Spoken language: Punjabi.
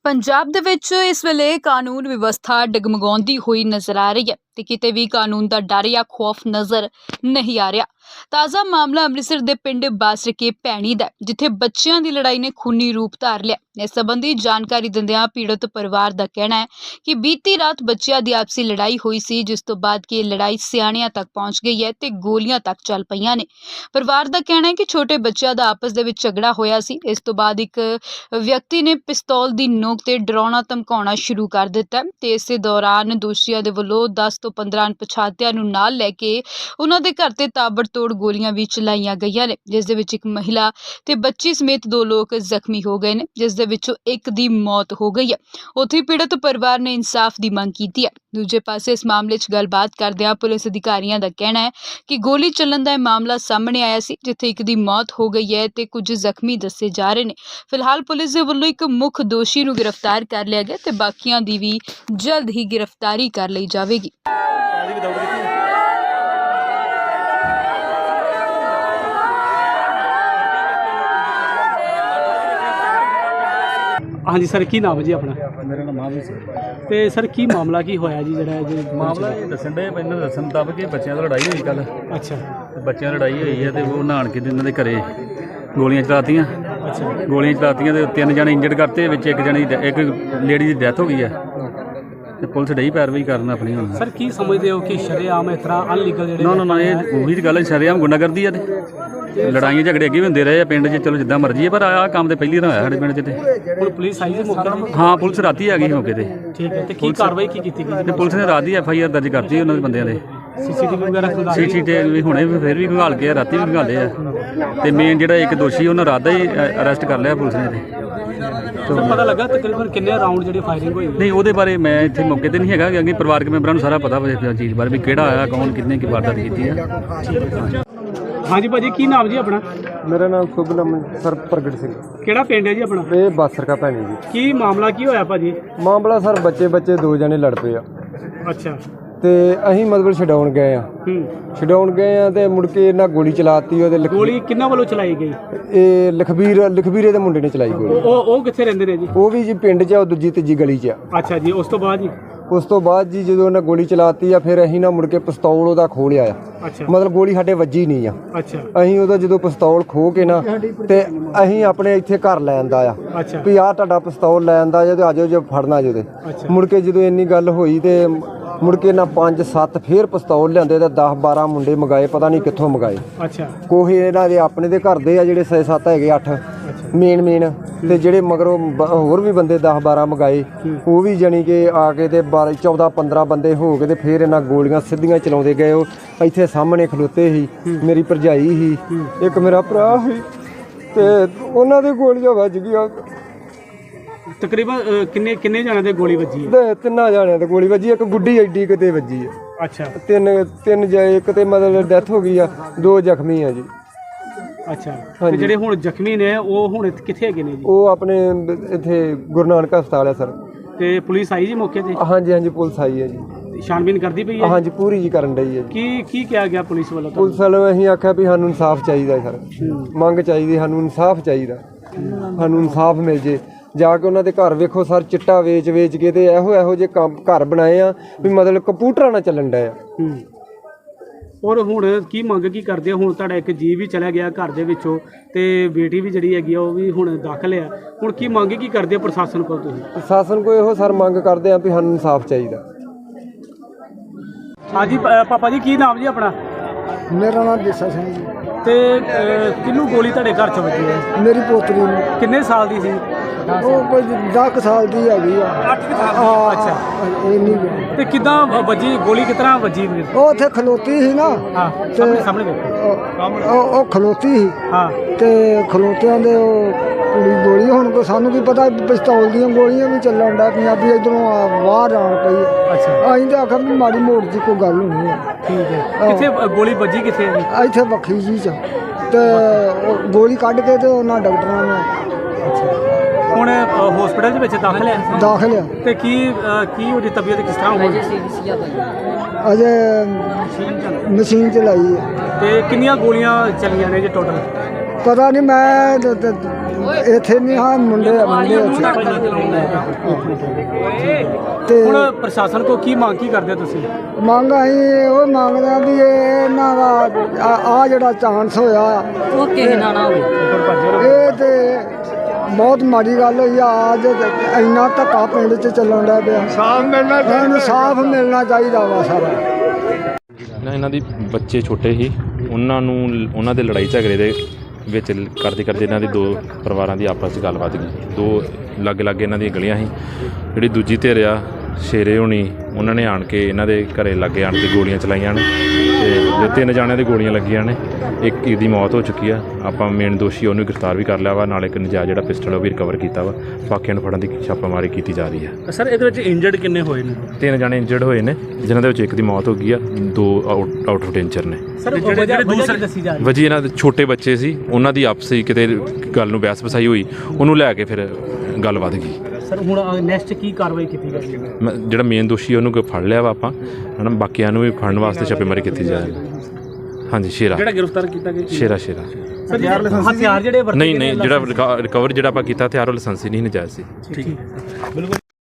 ਪੰਜਾਬ ਦੇ ਵਿੱਚ ਇਸ ਵੇਲੇ ਕਾਨੂੰਨ ਵਿਵਸਥਾ ਡਗਮਗਾਉਂਦੀ ਹੋਈ ਨਜ਼ਰ ਆ ਰਹੀ ਹੈ ਤੇ ਕਿਤੇ ਵੀ ਕਾਨੂੰਨ ਦਾ ਡਰ ਜਾਂ ਖੌਫ ਨਜ਼ਰ ਨਹੀਂ ਆ ਰਿਹਾ। ਤਾਜ਼ਾ ਮਾਮਲਾ ਅੰਮ੍ਰਿਤਸਰ ਦੇ ਪਿੰਡ ਬਾਸਰਕੇ ਭੈਣੀ ਦਾ, ਜਿੱਥੇ ਬੱਚਿਆਂ ਦੀ ਲੜਾਈ ਨੇ ਖੂਨੀ ਰੂਪ ਧਾਰ ਲਿਆ। ਇਸ ਸੰਬੰਧੀ ਜਾਣਕਾਰੀ ਦਿੰਦਿਆਂ ਪੀੜਤ ਪਰਿਵਾਰ ਦਾ ਕਹਿਣਾ ਹੈ ਕਿ ਬੀਤੀ ਰਾਤ ਬੱਚਿਆਂ ਦੀ ਆਪਸੀ ਲੜਾਈ ਹੋਈ ਸੀ, ਜਿਸ ਤੋਂ ਬਾਅਦ ਕਿ ਇਹ ਲੜਾਈ ਸਿਆਣਿਆਂ ਤੱਕ ਪਹੁੰਚ ਗਈ ਹੈ ਤੇ ਗੋਲੀਆਂ ਤੱਕ ਚੱਲ ਪਈਆਂ ਨੇ। ਪਰਿਵਾਰ ਦਾ ਕਹਿਣਾ ਹੈ ਕਿ ਛੋਟੇ ਬੱਚਿਆਂ ਦਾ ਆਪਸ ਦੇ ਵਿੱਚ ਝਗੜਾ ਹੋਇਆ ਸੀ। ਇਸ ਤੋਂ ਬਾਅਦ ਇੱਕ ਵਿਅਕਤੀ ਨੇ ਪਿਸਤੌਲ ਦੀ ਨੋਕ ਤੇ ਡਰਾਉਣਾ ਧਮਕਾਉਣਾ ਸ਼ੁਰੂ ਕਰ ਦਿੱਤਾ ਤੇ ਇਸੇ ਦੌਰਾਨ ਦੋਸ਼ੀਆਂ ਦੇ ਵੱਲੋਂ 10 ਤੋਂ 15 ਅਣਪਛਾਤਿਆਂ ਨੂੰ ਨਾਲ ਲੈ ਕੇ ਉਹਨਾਂ ਦੇ ਘਰ ਤੇ ਤਾਬੜਤੋੜ ਗੋਲੀਆਂ ਵੀ ਚਲਾਈਆਂ ਗਈਆਂ ਨੇ, ਜਿਸ ਦੇ ਵਿੱਚ ਇੱਕ ਮਹਿਲਾ ਤੇ ਬੱਚੀ ਸਮੇਤ 2 ਲੋਕ ਜ਼ਖਮੀ ਹੋ ਗਏ ਨੇ, ਜਿਸ ਦੇ ਵਿੱਚੋਂ ਇੱਕ ਦੀ ਮੌਤ ਹੋ ਗਈ ਹੈ। ਉੱਥੇ ਪੀੜਤ ਪਰਿਵਾਰ ਨੇ ਇਨਸਾਫ ਦੀ ਮੰਗ ਕੀਤੀ ਹੈ। ਦੂਜੇ ਪਾਸੇ ਇਸ ਮਾਮਲੇ 'ਚ ਗੱਲਬਾਤ ਕਰਦਿਆਂ ਪੁਲਿਸ ਅਧਿਕਾਰੀਆਂ ਦਾ ਕਹਿਣਾ ਹੈ ਕਿ ਗੋਲੀ ਚੱਲਣ ਦਾ ਇਹ ਮਾਮਲਾ ਸਾਹਮਣੇ ਆਇਆ ਸੀ, ਜਿੱਥੇ ਇੱਕ ਦੀ ਮੌਤ ਹੋ ਗਈ ਹੈ ਤੇ ਕੁਝ ਜ਼ਖਮੀ ਦੱਸੇ ਜਾ ਰਹੇ ਨੇ। ਫਿਲਹਾਲ ਪੁਲਿਸ ਦੇ ਵੱਲੋਂ ਇੱਕ ਮੁੱਖ ਦੋਸ਼ੀ ਨੂੰ ਗ੍ਰਿਫਤਾਰ ਕਰ ਲਿਆ ਗਿਆ ਤੇ ਬਾਕੀਆਂ ਦੀ ਵੀ ਜਲਦ ਹੀ ਗ੍ਰਿਫਤਾਰੀ ਕਰ ਲਈ ਜਾਵੇਗੀ। हाँ जी सर, की नाम है जी अपना? मेरा नाम महावीर सिंह। तो सर की मामला की होया जी जरा मामला ये दसन डे इन्होंने दसन मुताबिक कि बच्चों की लड़ाई हुई कल। अच्छा, बच्चों की लड़ाई हुई है तो वो नहान के इन्होंने घरे गोलियां चलातियां। अच्छा, गोलियां चलातियां तो 3 जने इंजर्ड करते, एक जने एक लेडी की डेथ हो गई है तो पुलिस डई पैरवाई करना अपनी हुण। सर की समझते हो कि शरेआम इस तरह अनलीगल ना ना ना ये वही गल शरेआम गुंडागर्दी है ते लड़ाइयां झगड़े अगे भी होंदे रहे पिंड च, चलो जिद्दां मर्जी है, पर आ काम तो पहली होया साडे पिंड च ते हुण पुलिस आई जी मौके ते? हाँ पुलिस राती आ गई मौके ते। ठीक है, तो की कार्रवाई की कीती गई? ते पुलिस ने रात ही FIR दर्ज करती उन्होंने बंदियां दे। सीसीटीवी वगैरह खंगाली? सीसीटीवी हुणे भी फिर भी खंगाल के राती भी खंगाले आ ते मेन जिहड़ा एक दोषी उन्हें रात ही अरेस्ट कर लिया पुलिस ने ते। तो पता लगा तकरीबन कितने राउंड जिहड़ी फायरिंग हुई? नहीं वो बारे मैं इत्थे मौके ते नहीं हैगा, क्योंकि परिवारक मैंबरां नूं सारा पता इस चीज़ बारे भी किहड़ा आया, कौन कितने की वारदात कीती है। हाँ जी भाजी, की नाम जी अपना? मेरा नाम शुभ नाम सर प्रगट सिंह। केड़ा पिंड है जी अपना? ये बासरका भैनी जी। की मामला की होया भाजी? मामला सर बच्चे 2 जने लड़ पे आ अच्छा, ਤੇ ਅਸੀਂ ਮਤਲਬ ਛਡਾਉਣ ਗਏ ਆ ਤੇ ਮੁੜ ਕੇ ਇਹਨਾਂ ਗੋਲੀ ਚਲਾਤੀ ਉਹਦੇ ਗੋਲੀ ਕਿੰਨਾ ਵੱਲੋਂ ਚਲਾਈ ਗਈ? ਇਹ ਲਖਬੀਰੇ ਦੇ ਮੁੰਡੇ ਨੇ ਚਲਾਈ ਗੋਲੀ। ਉਹ ਕਿੱਥੇ ਰਹਿੰਦੇ ਨੇ ਜੀ? ਉਹ ਵੀ ਜੀ ਪਿੰਡ 'ਚ ਆ, ਉਹ ਦੂਜੀ ਤੀਜੀ ਗਲੀ 'ਚ ਆ। ਅੱਛਾ ਜੀ, ਉਸ ਤੋਂ ਬਾਅਦ ਜੀ? ਉਸ ਤੋਂ ਬਾਅਦ ਜੀ ਜਦੋਂ ਉਹਨਾਂ ਗੋਲੀ ਚਲਾਤੀ ਆ ਫਿਰ ਅਸੀਂ ਨਾ ਮੁੜ ਕੇ ਪਿਸਤੌਲ ਉਹਦਾ ਖੋਹ ਲਿਆ ਆ। ਅੱਛਾ, ਮਤਲਬ ਗੋਲੀ ਸਾਡੇ ਵੱਜੀ ਨਹੀਂ ਆ। ਅੱਛਾ, ਅਸੀਂ ਉਹਦਾ ਜਦੋਂ ਪਿਸਤੌਲ ਖੋਹ ਕੇ ਨਾ ਤੇ ਅਸੀਂ ਆਪਣੇ ਇੱਥੇ ਘਰ ਲੈ ਆਂਦਾ ਆ ਅੱਛਾ, ਵੀ ਆਹ ਤੁਹਾਡਾ ਪਿਸਤੌਲ ਲੈ ਆਂਦਾ ਜੇ ਆਜੋ ਜੇ ਫੜਨਾ ਜੇ। ਅੱਛਾ, ਮੁੜ ਕੇ ਜਦੋਂ ਇੰਨੀ ਗੱਲ ਹੋਈ ਤੇ ਮੁੜ ਕੇ ਨਾ 5-7 ਫੇਰ ਪਿਸਤੌਲ ਲਿਆਂਦੇ ਤੇ 10-12 ਮੁੰਡੇ ਮੰਗਾਏ, ਪਤਾ ਨਹੀਂ ਕਿੱਥੋਂ ਮੰਗਾਏ। ਅੱਛਾ, ਕੋਹੇ ਇਹਨਾਂ ਦੇ ਆਪਣੇ ਦੇ ਘਰ ਦੇ ਆ ਜਿਹੜੇ 6-7 ਹੈਗੇ 8 ਮੇਨ ਤੇ ਜਿਹੜੇ ਮਗਰੋਂ ਹੋਰ ਵੀ ਬੰਦੇ 10-12 ਮੰਗਾਏ, ਉਹ ਵੀ ਜਾਣੀ ਕਿ ਆ ਕੇ ਤੇ 14-15 ਬੰਦੇ ਹੋ ਕੇ ਤੇ ਫਿਰ ਇਹਨਾਂ ਗੋਲੀਆਂ ਸਿੱਧੀਆਂ ਚਲਾਉਂਦੇ ਗਏ। ਉਹ ਇੱਥੇ ਸਾਹਮਣੇ ਖਲੋਤੇ ਸੀ, ਮੇਰੀ ਭਰਜਾਈ ਸੀ, ਇੱਕ ਮੇਰਾ ਭਰਾ ਸੀ ਤੇ ਉਹਨਾਂ ਦੇ ਗੋਲੀਆਂ ਵੱਜ ਗਈਆਂ। ਤਕਰੀਬਨ ਕਿੰਨੇ ਜਣਾਂ ਦੇ ਗੋਲੀ ਵੱਜੀ ਹੈ? ਤੇ 3 ਜਾਣਿਆਂ ਤੇ ਗੋਲੀ ਵੱਜੀ, ਇੱਕ ਗੁੱਡੀ ਐਡੀ ਕਿਤੇ ਵੱਜੀ ਹੈ। ਅੱਛਾ, ਤਿੰਨ ਇੱਕ ਤੇ ਮਤਲਬ ਡੈਥ ਹੋ ਗਈ ਆ, 2 ਜ਼ਖਮੀ ਆ ਜੀ। ਅੱਛਾ, ਤੇ ਜਿਹੜੇ ਹੁਣ ਜ਼ਖਮੀ ਨੇ ਉਹ ਹੁਣ ਕਿੱਥੇ ਹੈਗੇ ਨੇ ਜੀ? ਉਹ ਆਪਣੇ ਇੱਥੇ ਗੁਰੂ ਨਾਨਕ ਹਸਪਤਾਲ ਆ ਸਰ। ਤੇ ਪੁਲਿਸ ਆਈ ਜੀ ਮੌਕੇ ਤੇ? ਹਾਂਜੀ ਪੁਲਿਸ ਆਈ ਹੈ ਜੀ, ਛਾਣਬੀਨ ਕਰਦੀ ਪਈ ਹੈ? ਹਾਂਜੀ ਪੂਰੀ ਜੀ ਕਰਨ ਡਈ ਹੈ ਜੀ। ਕੀ ਕਿਹਾ ਗਿਆ ਪੁਲਿਸ ਵੱਲੋਂ? ਪੁਲਿਸ ਵੱਲੋਂ ਅਸੀਂ ਆਖਿਆ ਵੀ ਸਾਨੂੰ ਇਨਸਾਫ ਚਾਹੀਦਾ ਸਰ, ਮੰਗ ਚਾਹੀਦੀ, ਸਾਨੂੰ ਇਨਸਾਫ ਚਾਹੀਦਾ, ਸਾਨੂੰ ਇਨਸਾਫ ਮਿਲ ਜੇ। ਜਾ ਕੇ ਉਹਨਾਂ ਦੇ ਘਰ ਵੇਖੋ ਸਰ, ਚਿੱਟਾ ਵੇਚ ਕੇ ਤੇ ਇਹੋ ਜਿਹੇ ਕੰਮ ਘਰ ਬਣਾਏ ਆ ਵੀ ਮਤਲਬ ਕੰਪਿਊਟਰਾਂ ਨਾਲ ਚੱਲਣ ਡਿਆ ਆ। ਔਰ ਹੁਣ ਕੀ ਮੰਗ ਕੀ ਕਰਦੇ ਹੋ? ਹੁਣ ਤੁਹਾਡਾ ਇੱਕ ਜੀ ਵੀ ਚਲਾ ਗਿਆ ਘਰ ਦੇ ਵਿੱਚੋਂ ਤੇ ਬੇਟੀ ਵੀ ਜਿਹੜੀ ਹੈਗੀ ਆ ਉਹ ਵੀ ਹੁਣ ਦਾਖਲ ਆ, ਹੁਣ ਕੀ ਮੰਗ ਕੀ ਕਰਦੇ ਹੋ ਪ੍ਰਸ਼ਾਸਨ ਕੋਲ ਤੁਸੀਂ? ਪ੍ਰਸ਼ਾਸਨ ਕੋਲ ਇਹੋ ਸਰ ਮੰਗ ਕਰਦੇ ਆ ਵੀ ਸਾਨੂੰ ਇਨਸਾਫ ਚਾਹੀਦਾ। ਹਾਂਜੀ ਪਾਪਾ ਜੀ, ਕੀ ਨਾਮ ਜੀ ਆਪਣਾ? ਮੇਰਾ ਨਾਮ ਦੇਸਾ ਸਿੰਘ ਜੀ। ਤੇ ਕਿਹਨੂੰ ਗੋਲੀ ਤੁਹਾਡੇ ਘਰ ਚ ਵੱਜੀ ਹੈ? ਮੇਰੀ ਪੋਤਰੀ ਨੂੰ। ਕਿੰਨੇ ਸਾਲ ਦੀ ਸੀ? ਉਹ ਕੋਈ 10 ਸਾਲ ਦੀ ਹੈਗੀ ਆ। 8 ਸਾਲ? ਅੱਛਾ, ਇੰਨੀ ਤੇ ਕਿੱਦਾਂ ਵੱਜੀ ਗੋਲੀ? ਕਿਸ ਤਰ੍ਹਾਂ ਵੱਜੀ? ਉਹ ਉੱਥੇ ਖਲੋਤੀ ਸੀ ਨਾ। ਹਾਂ, ਸਾਹਮਣੇ ਵੇਖੋ। ਉਹ ਖਲੋਤੀ ਸੀ। ਹਾਂ, ਤੇ ਖਲੋਤਿਆਂ ਦੇ ਉਹ ਕੁੜੀ ਗੋਲੀ, ਹੁਣ ਕੋ ਸਾਨੂੰ ਕੀ ਪਤਾ ਪਿਸਤੌਲ ਦੀਆਂ ਗੋਲੀਆਂ ਵੀ ਚੱਲਣ ਦਾ ਪੰਜਾਬੀ ਇਧਰੋਂ ਬਾਹਰ ਆਉਣ ਪਈ। ਅੱਛਾ, ਅਸੀਂ ਤਾਂ ਆਖਿਆ ਵੀ ਮਾੜੀ ਮੋੜ ਦੀ ਕੋਈ ਗੱਲ ਹੋਣੀ ਹੈ। ਠੀਕ ਹੈ, ਕਿੱਥੇ ਗੋਲੀ ਵੱਜੀ? ਕਿੱਥੇ? ਇੱਥੇ ਵੱਖਰੀ ਜੀ ਚ ਤੇ ਉਹ ਗੋਲੀ ਕੱਢ ਕੇ ਤੇ ਉਹਨਾਂ ਡਾਕਟਰਾਂ ਨੇ ਹੁਣ ਹਸਪੀਟਲ ਦੇ ਵਿੱਚ ਦਾਖਲ ਹੈ? ਦਾਖਲ ਆ। ਤੇ ਕੀ ਉਹਦੀ ਤਬੀਅਤ ਕਿਸ ਤਰ੍ਹਾਂ ਹੋਈ? ਅਜੇ ਮਸ਼ੀਨ ਚਲਾਈ ਹੈ। ਤੇ ਕਿੰਨੀਆਂ ਗੋਲੀਆਂ ਚੱਲੀਆਂ ਨੇ ਜੀ ਟੋਟਲ? ਪਤਾ ਨਹੀਂ ਮੈਂ ਇੱਥੇ ਨਹੀਂ ਹਾਂ ਮੁੰਡੇ ਤੇ ਹੁਣ ਪ੍ਰਸ਼ਾਸਨ ਕੋ ਕੀ ਮੰਗ ਕੀ ਕਰਦੇ ਹੋ ਤੁਸੀਂ? ਮੰਗ ਅਸੀਂ ਉਹ ਮੰਗਦੇ ਹਾਂ ਵੀ ਇਹਨਾਂ ਦਾ ਆ ਜਿਹੜਾ ਚਾਂਸ ਹੋਇਆ ਉਹ ਕਿਸੇ ਨਾਲ ਨਾ ਹੋਵੇ। ਇਹ ਤੇ ਬਹੁਤ ਮਾੜੀ ਗੱਲ ਹੋਈ ਆ। ਅੱਜ ਇੰਨਾ ਧੱਕਾ ਪਿੰਡ 'ਚ ਚੱਲਣ ਦਾ ਪਿਆ। ਇਨਸਾਫ ਮਿਲਣਾ ਚਾਹੀਦਾ ਵਾ ਸਾਰਾ। ਇਹਨਾਂ ਦੀ ਬੱਚੇ ਛੋਟੇ ਸੀ, ਉਹਨਾਂ ਦੇ ਲੜਾਈ ਝਗੜੇ ਦੇ ਵਿੱਚ ਕਰਦੇ ਇਹਨਾਂ ਦੀ ਦੋ ਪਰਿਵਾਰਾਂ ਦੀ ਆਪਸ 'ਚ ਗੱਲਬਾਤ ਗਈ। ਦੋ ਲਾਗੇ ਇਹਨਾਂ ਦੀਆਂ ਗਲੀਆਂ ਸੀ। ਜਿਹੜੀ ਦੂਜੀ ਧਿਰ ਆ ਸ਼ੇਰੇ ਹੋਣੀ, ਉਹਨਾਂ ਨੇ ਆਣ ਕੇ ਇਹਨਾਂ ਦੇ ਘਰੇ ਲਾਗੇ ਆਣ ਕੇ ਗੋਲੀਆਂ ਚਲਾਈਆਂ ਨੇ ਤੇ ਜੋ 3 ਜਾਣਿਆਂ ਦੀ ਗੋਲੀਆਂ ਲੱਗੀਆਂ ਨੇ। ਇੱਕ ਦੀ ਮੌਤ ਹੋ ਚੁੱਕੀ ਆ। ਆਪਾਂ ਮੇਨ ਦੋਸ਼ੀ ਉਹਨੂੰ ਗ੍ਰਿਫਤਾਰ ਵੀ ਕਰ ਲਿਆ ਵਾ, ਨਾਲ ਇੱਕ ਨਜਾਇਜ਼ ਜਿਹੜਾ ਪਿਸਟਲ ਉਹ ਵੀ ਰਿਕਵਰ ਕੀਤਾ ਵਾ। ਬਾਕੀਆਂ ਨੂੰ ਫੜਨ ਦੀ ਛਾਪਾਮਾਰੀ ਕੀਤੀ ਜਾ ਰਹੀ ਆ। ਸਰ ਇਹਦੇ ਵਿੱਚ ਇੰਜਰਡ ਕਿੰਨੇ ਹੋਏ ਨੇ? 3 ਜਾਣੇ ਇੰਜਰਡ ਹੋਏ ਨੇ, ਜਿਨ੍ਹਾਂ ਦੇ ਵਿੱਚ ਇੱਕ ਦੀ ਮੌਤ ਹੋ ਗਈ ਆ, 2 ਆਊਟ ਆਫ ਡੇਂਜਰ ਨੇ। ਸਰ ਜਿਹੜੇ ਦੂਸਰੇ ਦੱਸੀ ਜਾ ਰਹੀ ਵਜੀ ਇਹਨਾਂ ਦੇ ਛੋਟੇ ਬੱਚੇ ਸੀ, ਉਹਨਾਂ ਦੀ ਆਪਸੀ ਕਿਤੇ ਗੱਲ ਨੂੰ ਬਹਿਸ ਵਸਾਈ ਹੋਈ, ਉਹਨੂੰ ਲੈ ਕੇ ਫਿਰ ਗੱਲ ਵੱਧ ਗਈ। ਸਰ ਹੁਣ ਨੈਕਸਟ ਕੀ ਕਾਰਵਾਈ ਕੀਤੀ ਜਾਏਗੀ? ਜਿਹੜਾ ਮੇਨ ਦੋਸ਼ੀ ਉਹਨੂੰ ਫੜ ਲਿਆ ਵਾ ਆਪਾਂ, ਹਨਾ। ਬਾਕੀਆਂ ਨੂੰ ਵੀ ਫੜਨ ਵਾਸਤੇ ਛਾਪੇਮਾਰੀ ਕੀਤੀ ਜਾਏਗੀ। ਹਾਂਜੀ, ਸ਼ੇਰਾ ਜਿਹੜਾ ਗ੍ਰਿਫਤਾਰ ਕੀਤਾ ਗਿਆ ਸ਼ੇਰਾ ਸਰ ਹਥਿਆਰ ਜਿਹੜੇ ਵਰਤੇ ਨਹੀਂ ਜਿਹੜਾ ਰਿਕਵਰ ਜਿਹੜਾ ਆਪਾਂ ਕੀਤਾ ਹਥਿਆਰ ਉਹ ਲਾਇਸੈਂਸੀ ਨਹੀਂ ਨਜਾਇਜ਼ ਸੀ। ਠੀਕ ਹੈ। ਬਿਲਕੁਲ।